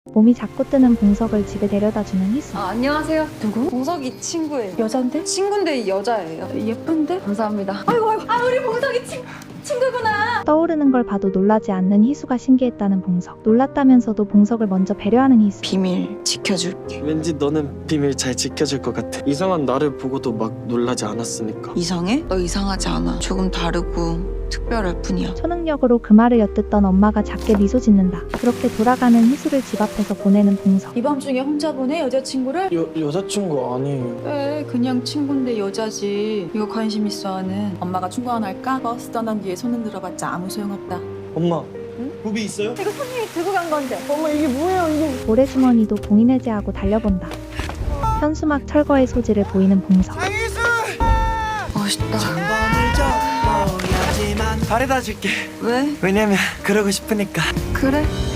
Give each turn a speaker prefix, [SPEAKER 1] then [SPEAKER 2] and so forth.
[SPEAKER 1] 몸이 자꾸 뜨는 봉석을 집에 데려다주는 희수.
[SPEAKER 2] 안녕하세요. 누구? 봉석이 친구예요.
[SPEAKER 3] 여잔데?
[SPEAKER 2] 친구인데 여자예요.
[SPEAKER 3] 예쁜데?
[SPEAKER 2] 감사합니다. 아이고. 우리 봉석이 친구구나.
[SPEAKER 1] 떠오르는 걸 봐도 놀라지 않는 희수가 신기했다는 봉석. 놀랐다면서도 봉석을 먼저 배려하는 희수.
[SPEAKER 2] 비밀 지켜줄게.
[SPEAKER 4] 왠지 너는 비밀 잘 지켜줄 것 같아. 이상한 나를 보고도 막 놀라지 않았으니까.
[SPEAKER 2] 이상해? 너 이상하지 않아. 조금 다르고 특별할 뿐이야.
[SPEAKER 1] 초능력으로 그 말을 엿듣던 엄마가 작게 미소 짓는다. 그렇게 돌아가는 희수를 집 앞에서 보내는 봉석.
[SPEAKER 3] 이 밤중에 혼자 보내 여자친구를?
[SPEAKER 4] 여자친구 아니에요.
[SPEAKER 3] 에 그냥 친구인데 여자지. 이거 관심 있어 하는 엄마가 충고 안 할까? 버스 떠난 뒤에 손 흔들어봤자 아무 소용없다.
[SPEAKER 4] 엄마, 부비 있어요?
[SPEAKER 1] 모래주머니도 봉인해제하고 달려본다. 현수막 철거의 소지를 보이는 봉석.
[SPEAKER 2] 멋있다.
[SPEAKER 4] 바래다 줄게.
[SPEAKER 2] 왜?
[SPEAKER 4] 왜냐면 그러고 싶으니까.
[SPEAKER 2] 그래?